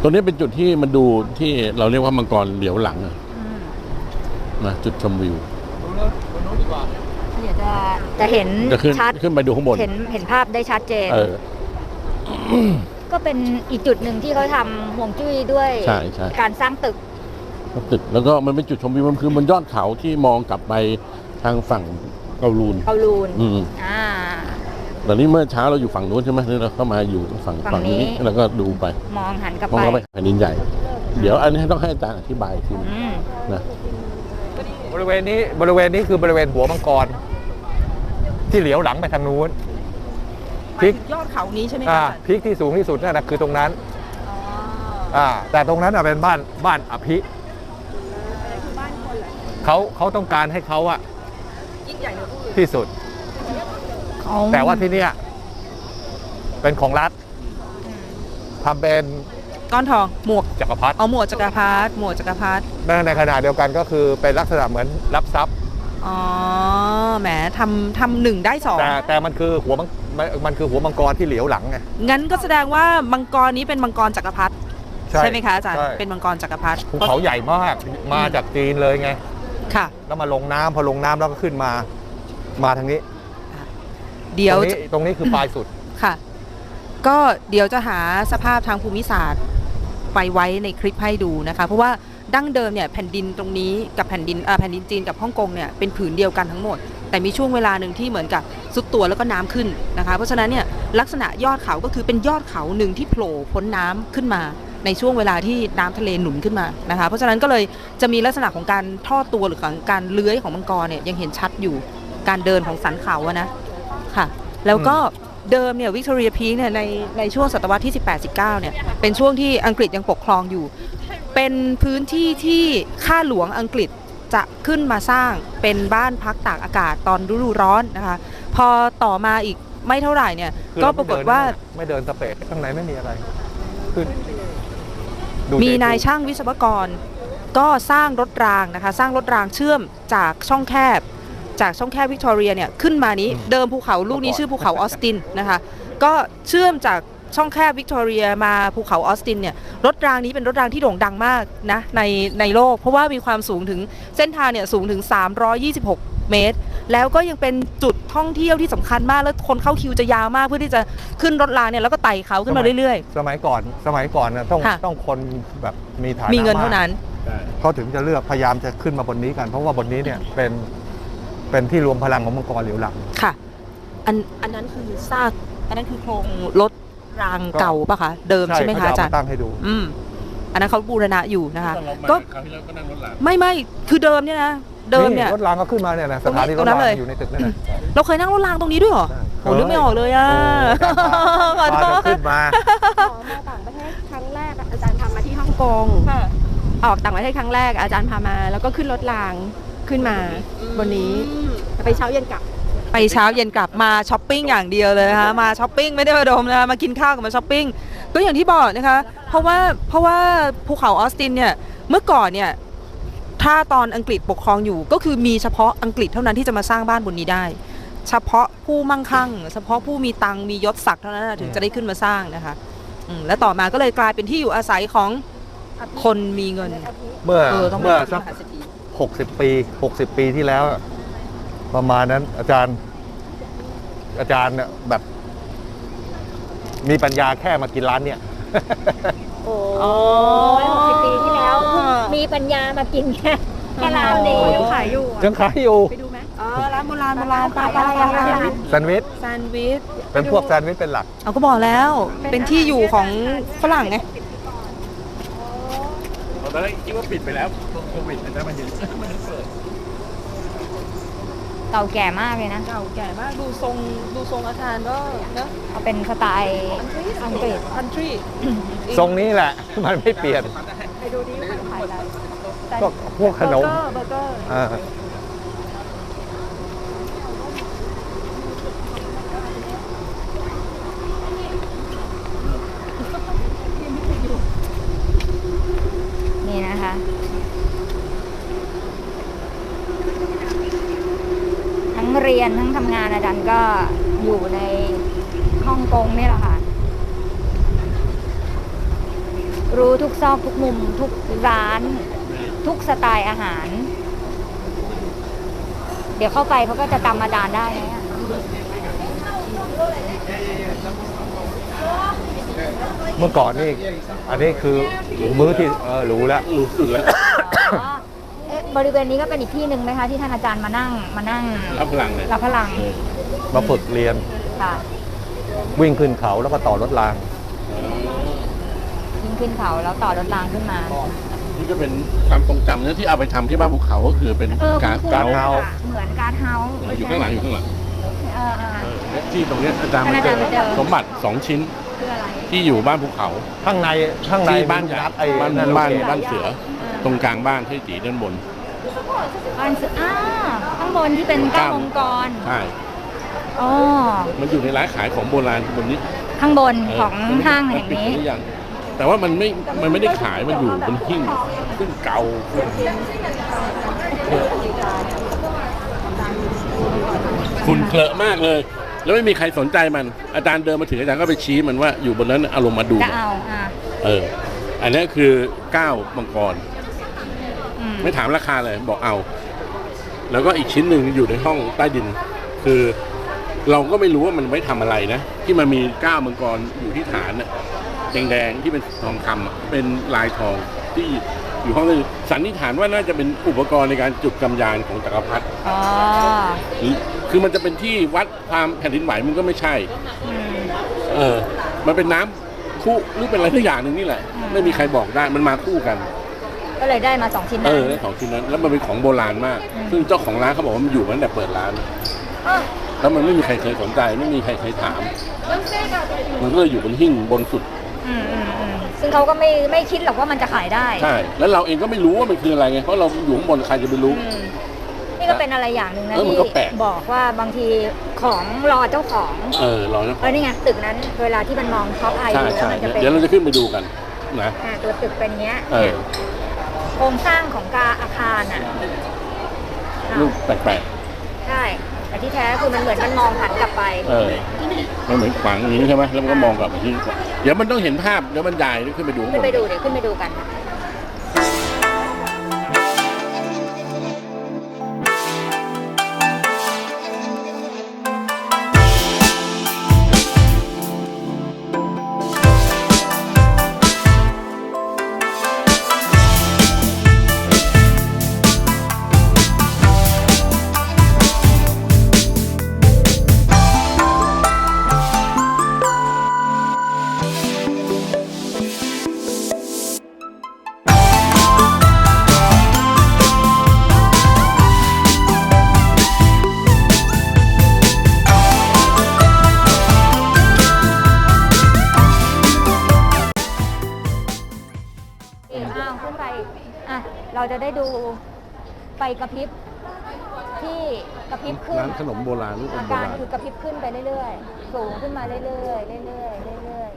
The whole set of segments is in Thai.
ตัวนี้เป็นจุดที่มันดูที่เราเรียกว่ามังกรเหลียวหลังนะจุดชมวิวเดี๋ยวจะเห็นชัดขึ้นไปดูข้างบนเห็นภาพได้ชัดเจนก็เป็นอีกจุดหนึ่งที่เขาทำห่วงจุ้ยด้วยการสร้างตึกแล้วก็มันเป็นจุดชมวิวมันคือบนยอดเขาที่มองกลับไปทางฝั่งเกาลูนตอนนี้เมื่อเช้าเราอยู่ฝั่งนู้นใช่ไหมนี่เราก็มาอยู่ฝั่งนี้แล้วก็ดูไปมองหันกลับไปแผ่นดินใหญ่เดี๋ยวอันนี้ต้องให้อาจารย์อธิบายทีนะบริเวณนี้คือบริเวณหัวมังกรที่เหลียวหลังไปทางนู้นพีคยอดเขานี้ใช่ไหมคะพีคที่สูงที่สุดนั่นนะคือตรงนั้นแต่ตรงนั้นเป็นบ้านอภิเขาต้องการให้เขายิ่งใหญ่ที่สุดแต่ว่าที่นี่เป็นของรัฐทำเป็นก้อนทองหมวกจักรพรรดิหมวกจักรพรรดิในขณะเดียวกันก็คือเป็นลักษณะเหมือนรับทรัพย์แหมทำหนึ่งได้สองแต่มันคือหัวมังกรที่เหลียวหลังไงงั้นก็แสดงว่ามังกรนี้เป็นมังกรจักรพรรดิใช่ไหมคะอาจารย์เป็นมังกรจักรพรรดิภูเขาใหญ่มากมาจากจีนเลยไงค่ะแล้วมาลงน้ำพอลงน้ำแล้วก็ขึ้นมาทางนี้เดี๋ยวตรงนี้คือปลายสุดค่ะก็เดี๋ยวจะหาสภาพทางภูมิศาสตร์ไปไว้ในคลิปให้ดูนะคะเพราะว่าดั้งเดิมเนี่ยแผ่นดินตรงนี้กับแผ่นดินจีนกับฮ่องกงเนี่ยเป็นผืนเดียวกันทั้งหมดแต่มีช่วงเวลาหนึ่งที่เหมือนกับซุดตัวแล้วก็น้ำขึ้นนะคะเพราะฉะนั้นเนี่ยลักษณะยอดเขาก็คือเป็นยอดเขาหนึ่งที่โผล่พ้นน้ำขึ้นมาในช่วงเวลาที่น้ำทะเลหนุนขึ้นมานะคะเพราะฉะนั้นก็เลยจะมีลักษณะของการทอดตัวหรือของการเลื้อยของมังกรเนี่ยยังเห็นชัดอยู่การเดินของสันเขาอะนะค่ะแล้วก็เดิมเนี่ยวิกตอเรียพีคเนี่ยในช่วงศตวรรษที่18-19เนี่ยเป็นช่วงที่อังกฤษยังปกครองอยู่เป็นพื้นที่ที่ข้าหลวงอังกฤษจะขึ้นมาสร้างเป็นบ้านพักตากอากาศตอนฤดูร้อนนะคะพอต่อมาอีกไม่เท่าไหร่เนี่ยก็ปรากฏว่าไม่เดินสเปซข้างในไม่มีอะไรขึ้นมีนายช่างวิศวกรก็สร้างรถรางนะคะสร้างรถรางเชื่อมจากช่องแคบวิกตอเรียเนี่ยขึ้นมานี้เดิมภูเขาลูกนี้ชื่อภูเขาออสตินนะคะก็เชื่อมจากช่องแคบวิกตอเรียมาภูเขาออสตินเนี่ยรถรางนี้เป็นรถรางที่โด่งดังมากนะในโลกเพราะว่ามีความสูงถึงเส้นทางเนี่ยสูงถึง326เมตรแล้วก็ยังเป็นจุดท่องเที่ยวที่สำคัญมากแล้วคนเข้าคิวจะยาวมากเพื่อที่จะขึ้นรถรางเนี่ยแล้วก็ไต่เขาขึ้นมาเรื่อยๆสมัยก่อนนะต้องคนแบบมีฐานะมีเงินเท่านั้นเขาถึงจะเลือกพยายามจะขึ้นมาบนนี้กันเพราะว่าบนนี้เนี่ยเป็นที่รวมพลังของมังกรเหลียวหลังค่ะอันนั้นคือซากอันนั้นคือโครงรถรางเก่าป่ะคะเดิมใช่ไหมคะอาจารย์ตั้งให้ดูอันนั้นเขาบูรณะอยู่นะคะก็ไม่คือเดิมเนี่ยนะเดิมเนี่ยรถรางก็ขึ้นมาเนี่ยนะสถานีรถรางอยู่ในตึกนั่นนะเราเคยนั่งรถรางตรงนี้ด้วยเหรอโอ้นึกไม่ออกเลยอ่ะขอโทษขึ้นมาต่างประเทศครั้งแรกอาจารย์พามาที่ฮ่องกงออกต่างประเทศครั้งแรกอาจารย์พามาแล้วก็ขึ้นรถรางขึ้นมาบนนี้ไปเช้าเย็นกลับมาช้อปปิ้งอย่างเดียวเลยนะคะมาช้อปปิ้งไม่ได้มาดมนะคะมากินข้าวกับมาช้อปปิ้งก็อย่างที่บอกนะคะเพราะว่าภูเขาออสตินเนี่ยเมื่อก่อนเนี่ยถ้าตอนอังกฤษปกครองอยู่ก็คือมีเฉพาะอังกฤษเท่านั้นที่จะมาสร้างบ้านบนนี้ได้เฉพาะผู้มั่งคั่งเฉพาะผู้มีตังมียศศักดิ์เท่านั้นถึงจะได้ขึ้นมาสร้างนะคะและต่อมาก็เลยกลายเป็นที่อยู่อาศัยของคนมีเงินเมื่อสัก60 ปีที่แล้วประมาณนั้นอาจารย์เนี่ยแบบมีปัญญาแค่มากินร้านเนี่ยโอ้60 ปีที่แล้วมีปัญญามากินแค่ร้านนี้ยังขายอยู่ไปดูไหมร้านโบราณไปแซนด์วิชเป็นพวกแซนด์วิชเป็นหลักเอาก็บอกแล้วเป็นที่อยู่ของฝรั่งไงตอนแรกคิดว่าปิดไปแล้วโควิดแต่มันยังเปิดเก่าแก่มากเลยนะเก่าแก่มากดูทรงอาจารย์ก็เนอะเอาเป็นสไตล์อังกฤษ country ทรงนี้แหละมันไม่เปลี่ยนไปดูดิขายอะไรก็พวกขนมเบอร์เกอร์นี่นะคะทั้งเรียนทั้งทำงานอาจารย์ก็อยู่ในฮ่องกงนี่แหละค่ะรู้ทุกซอกทุกมุมทุกร้าน ทุกสไตล์อาหาร เดี๋ยวเข้าไปเขาก็จะจำอาจารย์ได้นะเมื่อก่อนนี่อันนี้คือมื้อที่รู้แล้วรู้สึกแล้วอ๋อเอ๊ะบริเวณนี้ก็เป็นอีกที่หนึ่งไหมคะที่ท่านอาจารย์มานั่งรับพลังเลยรับพลังมาฝึกเรียนค่ะวิ่งขึ้นเขาแล้วก็ต่อรถรางยิงขึ้นเขาแล้วต่อรถรางขึ้นมานี่ก็เป็นความทรงจำนะที่เอาไปทำที่บ้านภูเขาก็คือเป็นการการเฮาเหมือนการเฮาอยู่ข้างหลังอยู่ข้างหลังเออที่ตรงเนี้ยอาจารย์มาเจอสมบัติ2 ชิ้นคืออะไรที่อยู่บ้านภูเขาข้างในที่บ้านใหญ่ไอ้บ้านนั่นบ้านโอเคบ้านเสือ ตรงกลางบ้านที่ตีด้านบนบ้านเสือข้างบนที่เป็นเก้าองค์กรใช่อ๋อมันอยู่ในร้านขายของโบราณบนนี้ข้างบนของห้างแห่งนี้มัปิดหรือยังแต่ว่ามันไม่ได้ขายมันอยู่บนหิ้งซึ่งเก่าฝุ่นเคลอะมากเลย แล้วไม่มีใครสนใจมันอาจารย์เดินมาถึงอาจารย์ก็ไปชี้มันว่าอยู่บนนั้นอารมณ์มาดูจะเอาอันนี้คือก้าวมังกรอืมไม่ถามราคาเลยบอกเอา แล้วก็อีกชิ้นหนึ่งอยู่ในห้องใต้ดิน คือเราก็ไม่รู้ว่ามันไว้ทำอะไรนะ ที่มันมีก้าวมังกรอยู่ที่ฐานน่ะแดงๆที่เป็นทองคำอะเป็นลายทองที่อยู่ห้องใต้ดินสันนิษฐานว่าน่าจะเป็นอุปกรณ์ในการจุดกำยานของจักรพรรดิอ๋อคือมันจะเป็นที่วัดความแผ่นดินไหวมันก็ไม่ใช่อืมมันเป็นน้ำคู่หรือเป็นอะไรสักอย่างหนึ่งนี่แหละ ไม่มีใครบอกได้มันมาคู่กันก็เลยได้มา2 ชิ้นนั้นได้ของชิ้นนั้น แล้วมันเป็นของโบราณมาก ซึ่งเจ้าของร้านเขาบอกว่ามันอยู่มาตั้งแต่เปิดร้านอ้อแล้วมันไม่มีใครเคยสนใจ ไม่มีใครเคยถาม มันก็เลยอยู่บนหิ้งบนสุดอืมซึ่งเขาก็ไม่คิดหรอกว่ามันจะขายได้ใช่ แล้วเราเองก็ไม่รู้ว่ามันคืออะไรไง เพราะเราอยู่ข้างบนใครจะไปรู้อืมนี่ก็เป็นอะไรอย่างหนึ่งนะมันที่ก็แปลกบอกว่าบางทีของรอเจ้าของรอนะนี่ไงตึกนั้นเวลาที่มันมองท็อปไอใช่แล้วใช่มันจะเป็นเดี๋ยวเราจะขึ้นไปดูกันนะตัวตึกเป็นเงี้ยเออโครงสร้างของอาคารอ่ะรูปแปลกใช่แต่ที่แท้คือมันเหมือนมันมองหันกลับไปมันเหมือนขวางอย่างนี้ใช่ไหมแล้วมันก็มองกลับไปที่เดี๋ยวมันต้องเห็นภาพเดี๋ยวมันใหญ่ขึ้นไปดูข้างบขึ้นนไปดูเดี๋ยวขึ้นไปดูกัน ขึ้นไปเราจะได้ดูไฟกระพริบที่กระพริบขึ้นร้านขนมโบราณรูปอาโบการราณคือกระพริบขึ้นไปเรื่อยๆสูงขึ้นมาเรื่อยๆเรื่อยๆเรื่อย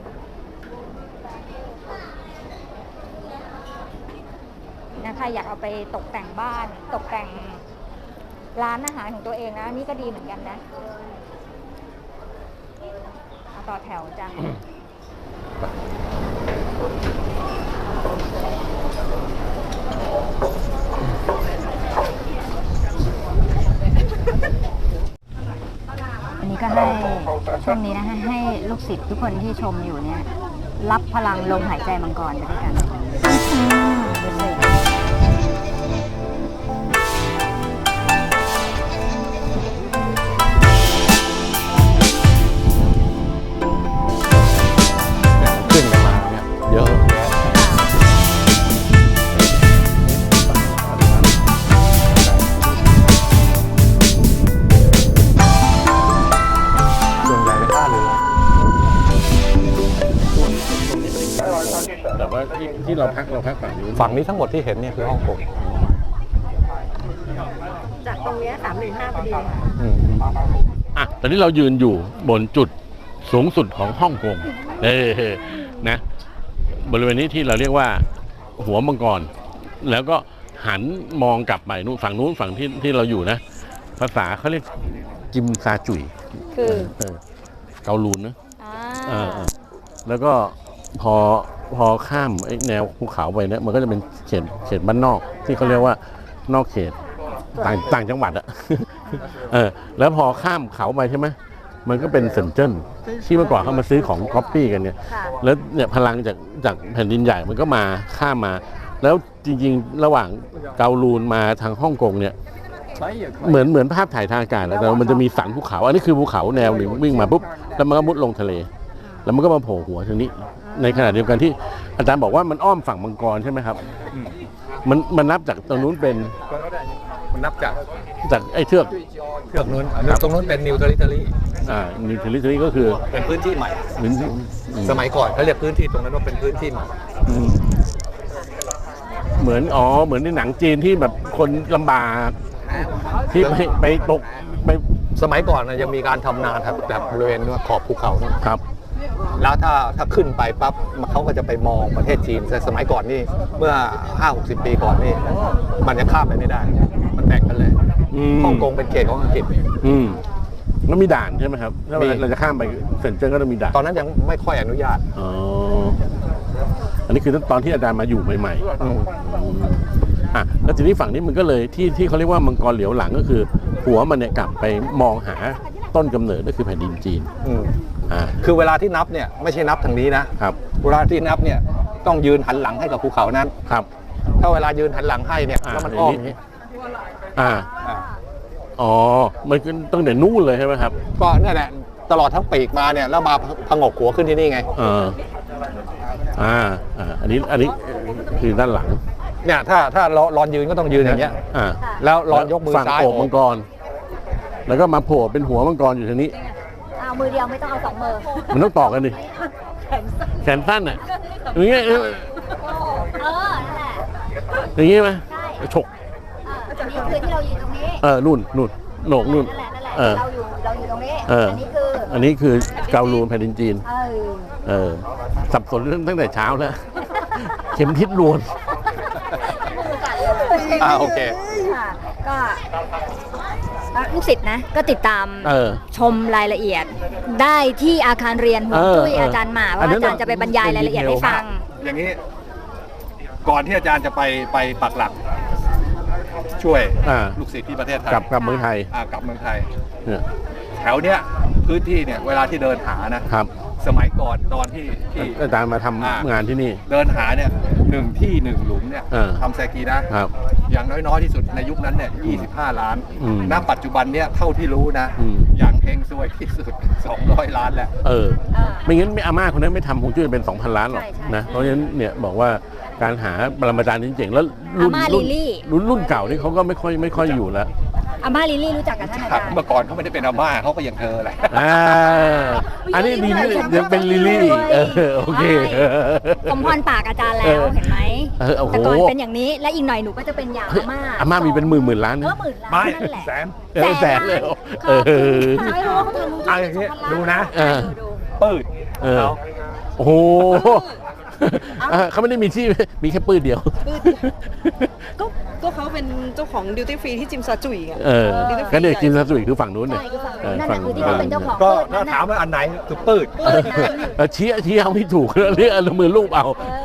ๆนะใครอยากเอาไปตกแต่งบ้านตกแต่งร้านอาหารของตัวเองนะนี่ก็ดีเหมือนกันนะต่อแถวจ้ะ อันนี้ก็ให้ช่วงนี้นะให้ลูกศิษย์ทุกคนที่ชมอยู่เนี่ยรับพลังลมหายใจมังกรไปด้วยกันดูสิขึ้นกันมาเนี่ยเยอะแยะส่วนใหญ่เป็นท่าเรือแต่ว่าที่เราพักฝั่งนี้ฝั่งนี้ทั้งหมดที่เห็นเนี่ยคือฮ่องกงจากตรงเนี้ย315พอดีตอนนี้เรายืนอยู่บนจุดสูงสุดของฮ่องกงนะบริเวณนี้ที่เราเรียกว่าหัวมังกรแล้วก็หันมองกลับไปนู้นฝั่งที่เราอยู่นะ ภาษาเขาเรียกจิมซาจุยคือเกาลูนนะแล้วก็พอพอข้ามไอ้แนวภูเขาไปเนี่ยมันก็จะเป็นเขตบ้านนอกที่เขาเรียกว่านอกเขตต่างจังหวัดอะ แล้วพอข้ามเขาไปใช่ไหมมันก็เป็นเซินเจิ้นที่เมื่อก่อนเขามาซื้อของก๊อปปี้กันเนี่ยค่ะแล้วเนี่ยพลังจากแผ่นดินใหญ่มันก็มาข้ามมา แล้วจริงๆระหว่างเกาลูนมาทางฮ่องกงเนี่ยเหมือนภาพถ่ายทางอากาศแล้วแต่มันจะมีสันภูเขาอันนี้คือภูเขาแนวหนึ่งวิ่งมาปุ๊บแล้วมันก็มุดลงทะเล แล้วมันก็มาโผล่หัวทางนี้ ในขณะเดียวกันที่อาจารย์บอกว่ามันอ้อมฝั่งมังกรใช่ไหมครับมันนับจากตรงนู้นเป็นมันนับจากไอ้เทือกนู้นตรงนู้นเป็นนิวเทอริทอรี่นิวเทอริทอรี่ก็คือเป็นพื้นที่ใหม่เหมือนสมัยก่อนเขาเรียกพื้นที่ตรงนั้นว่าเป็นพื้นที่ใหม่เหมือนในหนังจีนที่แบบคนลำบากที่ไปตกไปสมัยก่อนนะยังมีการทำนาแบบบริเวณขอบภูเขานะครับ แล้วถ้าขึ้นไปปั๊บเขาก็จะไปมองประเทศจีนแต่สมัยก่อนนี่เมื่อ 50-60 ปีก่อนนี่มันยังข้ามไปไม่ได้ มันแบ่งกันเลยฮ่องกงเป็นเขตของอังกฤษแล้วมีด่านใช่ไหมครับถ้าเราจะข้ามไปเซินเจิ้นก็ต้องมีด่านตอนนั้นยังไม่ค่อยอนุญาตอ๋ออันนี้คือตอนที่อาจารย์มาอยู่ใหม่ๆแล้วทีนี้ฝั่งนี้มันก็เลยที่เขาเรียกว่ามังกรเหลียวหลังก็คือหัวมันเนี่ยกลับไปมองหาต้นกำเนิดก็คือแผ่นดินจีนคือเวลาที่นับเนี่ยไม่ใช่นับทางนี้นะครับ เวลาที่นับเนี่ยต้องยืนหันหลังให้กับภูเขานั้นครับถ้าเวลายืนหันหลังให้เนี่ยแล้วมันอ้อมอย่างนี้อ๋อมันตั้งแต่นู่นเลยใช่ไหมครับก็นั่นแหละตลอดทั้งปีกมาเนี่ยแล้วมาผงกหัวขึ้นที่นี่ไงอันนี้คือด้านหลังเนี่ยถ้ารอนยืนก็ต้องยืนอย่างเงี้ยแล้วรอนยกมือฝั่งซ้ายโอบมังกร แล้วก็มาโผล่เป็นหัวมังกรอยู่ทางนี้เอามือเดียวไม่ต้องเอาสองมือมันต้องต่อกันดิแขนสั้นอ่ะอย่างเงี้ยนั่นแหละอย่างงี้ไหมฉกอันนี้คือที่เราอยู่ตรงนี้นู่นโหนกนู่นนั่นแหละเราอยู่ตรงนี้อันนี้คือเกาลูนแผ่นดินจีนสับสนตั้งแต่เช้าแล้ว เข็มทิศลวนโอเคก็ลูกศิษย์นะก็ติดตามชมรายละเอียด ได้ที่อาคารเรียนหัวจุ้ยอาจารย์หมาว่าอาจารย์จะไปบรรยายรายละเอียดให้ฟังอย่างนี้ก่อนที่อาจารย์จะไปปักหลัก ช่วยลูกศิษย์ที่ประเทศไทยกับเมืองไทยกับเมืองไทยเนี่ยแถวเนี้ยพื้นที่เนี่ยเวลาที่เดินหานะครับ สมัยก่อนตอนที่อาจารย์มาทำงานที่นี่เดินหาเนี่ย1 ที่ 1 หลุมเนี่ยทำแซกีนะครับ อย่างน้อยๆที่สุดในยุคนั้นเนี่ย25 ล้านณปัจจุบันเนี่ยเท่าที่รู้นะอย่างเฮงซวยที่สุด200 ล้านแหละไม่งั้นอาม่าคนนั้นไม่ทำคงจุ้ยเป็น 2,000 ล้านหรอกนะเพราะฉะนั้นเนี่ยบอกว่าการหาปรมาจารย์จริงๆแล้วรุ่นเก่านี่เขาก็ไม่ค่อยอยู่แล้วอาม่าลิลลี่รู้จักกับท่านอาจารย์เมื่อก่อนเขาไม่ได้เป็นอาม่าเขาก็ยังเธอแหละอันนี้ลิลลี่ยังเป็นลิลลี่โอเคสมพรปากอาจารย์แล้วเห็นไหมแต่ก่อนเป็นอย่างนี้และอีกหน่อยหนูก็จะเป็นอย่างอาม่ามีเป็นหมื่นล้านนะหมื่นล้านนั่นแหละแสนเลยไม่รู้ว่าเขาทำเอาอย่างนี้ดูนะปืดโอ้โหเขาไม่ได้มีที่มีแค่ปืนเดียวก็เขาเป็นเจ้าของดิวตี้ฟรีที่จิมซาจุยไงก็เนี่ยจิมซาจุยคือฝั่งนู้นเนี่ยนั่นคือที่เขาเป็นเจ้าของก็ถ้าถามว่าอันไหนคือปืดชี้เอาไม่ถูกเรียกมือลูกเอา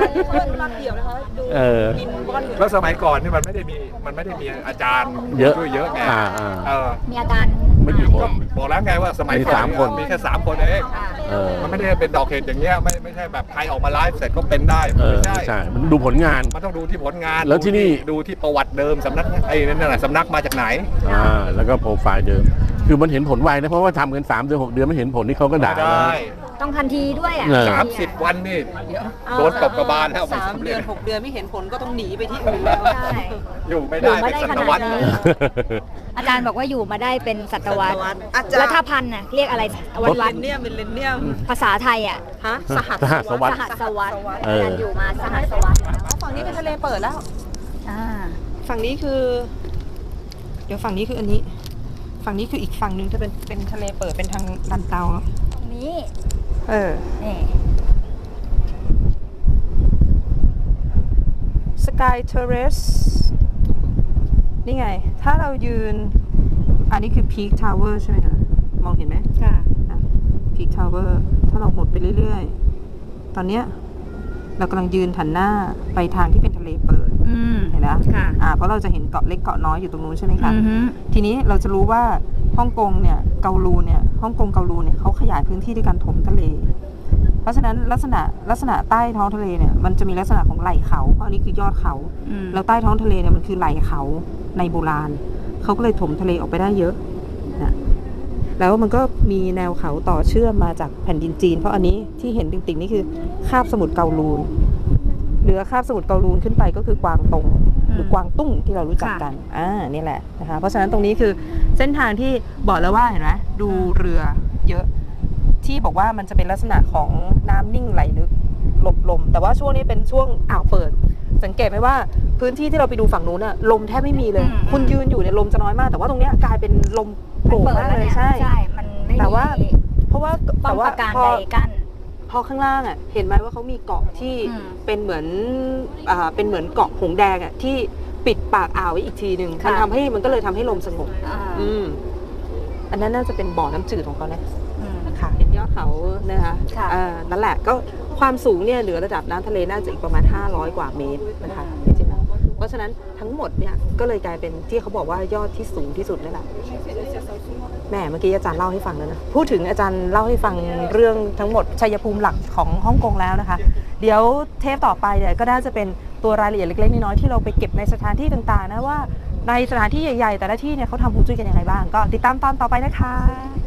แล้วสมัยก่อนนี่มันไม่ได้มีอาจารย์เยอะไงมีอาจารย์ไม่กี่คนบอกแล้วไงว่าสมัยก่อนมีแค่3 คนเองมันไม่ได้เป็นดอกเห็ดอย่างเงี้ยไม่ใช่แบบใครออกมาไลฟ์เสร็จก็เป็นได้ไม่ใช่มันดูผลงานมันต้องดูที่ผลงานแล้วที่นี่ดูที่ประวัติเดิมสำนักนั่นแหละสำนักมาจากไหนแล้วก็โปรไฟล์เดิมคือมันเห็นผลไวนะเพราะว่าทำกัน3 เดือน 6 เดือนไม่เห็นผลนี่เขาก็ด่าต้องทันทีด้วย 30 วันนี่โดนตบกระบาลแล้ว 3 เดือน 6 เดือนไม่เห็นผลก็ต้องหนีไปที่อื่นแล้วอยู่ไม่ได้เป็นศตวรรษอาจารย์บอกว่าอยู่มาได้เป็นศตวรรษแล้วถ้าพันน่ะเรียกอะไรวันเนี่ยเป็นเลนเนี่ยภาษาไทยอ่ะสหัสวรรษอาจารย์อยู่มาสหัสวรรษฝั่งนี้เป็นทะเลเปิดแล้วฝั่งนี้คือเดี๋ยวฝั่งนี้คืออันนี้ฝั่งนี้คืออีกฝั่งนึงจะเป็นทะเลเปิดเป็นทางลันเตาตรงนี้นี่สกายเทอร์เรสนี่ไงถ้าเรายืนอันนี้คือพีคทาวเวอร์ใช่ไหมคะมองเห็นไหมค่ะพีคทาวเวอร์ถ้าเราหมดไปเรื่อยๆตอนเนี้ยเรากำลังยืนหันหน้าไปทางที่เป็นทะเลเปิดเห็นไหมค่ะเพราะเราจะเห็นเกาะเล็กเกาะน้อยอยู่ตรงนู้นใช่ไหมคะอือฮึทีนี้เราจะรู้ว่าฮ่องกงเนี่ยเกาลูเนี่ยฮ่องกงเกาลูเนี่ยเขาขยายพื้นที่ด้วยการถมทะเล เพราะฉะนั้นลักษณะใต้ท้องทะเลเนี่ยมันจะมีลักษณะของไหล่เขาเพราะอันนี้คือยอดเขาแล้วใต้ท้องทะเลเนี่ยมันคือไหล่เขาในโบราณเขาก็เลยถมทะเลออกไปได้เยอะนะแล้วมันก็มีแนวเขาต่อเชื่อมมาจากแผ่นดินจีนเพราะอันนี้ที่เห็นติ่งๆนี่คือคาบสมุทรเกาลูนเหนือคาบสมุทรเกาลูนขึ้นไปก็คือกวางตงหรือกวางตุ้งที่เรารู้จักกันนี่แหละนะคะเพราะฉะนั้นตรงนี้คือเส้นทางที่บอกแล้วว่าเห็นไหมดูเรือเยอะที่บอกว่ามันจะเป็นลักษณะของน้ำนิ่งไหลลึกหลบลมแต่ว่าช่วงนี้เป็นช่วงอ่าวเปิดสังเกตไหมว่าพื้นที่ที่เราไปดูฝั่งนู้นอะลมแทบไม่มีเลยคุณยืนอยู่เนี่ยลมจะน้อยมากแต่ว่าตรงเนี้ยกลายเป็นลมโกรกมากเลยใช่มันไม่มีแต่ว่าเพราะว่าป้อมปราการใดกั้นพอข้างล่างอ่ะเห็นไหมว่าเขามีเกาะที่เป็นเหมือนเกาะหงแดงอ่ะที่ปิดปากอ่าวไว้อีกทีหนึ่งมันก็เลยทำให้ลมสงบอันนั้นน่าจะเป็นบ่อน้ำจืดของเขานะค่ะเห็นยอดเขานะคะนั่นแหละก็ความสูงเนี่ยเหนือระดับน้ำทะเลน่าจะอีกประมาณ500 กว่าเมตรนะคะจริงๆเพราะฉะนั้นทั้งหมดเนี่ยก็เลยกลายเป็นที่เขาบอกว่ายอดที่สูงที่สุดนั่นแหละแม่เมื่อกี้อาจารย์เล่าให้ฟังแล้วนะพูดถึงอาจารย์เล่าให้ฟังเรื่องทั้งหมดชัยภูมิหลักของฮ่องกงแล้วนะคะเดี๋ยวเทปต่อไปเนี่ยก็น่าจะเป็นตัวรายละเอียดเล็กๆน้อยๆที่เราไปเก็บในสถานที่ต่างๆนะว่าในสถานที่ใหญ่ๆแต่ละที่เนี่ยเขาทำฮวงจุ้ยกันยังไงบ้างก็ติดตามตอนต่อไปนะคะ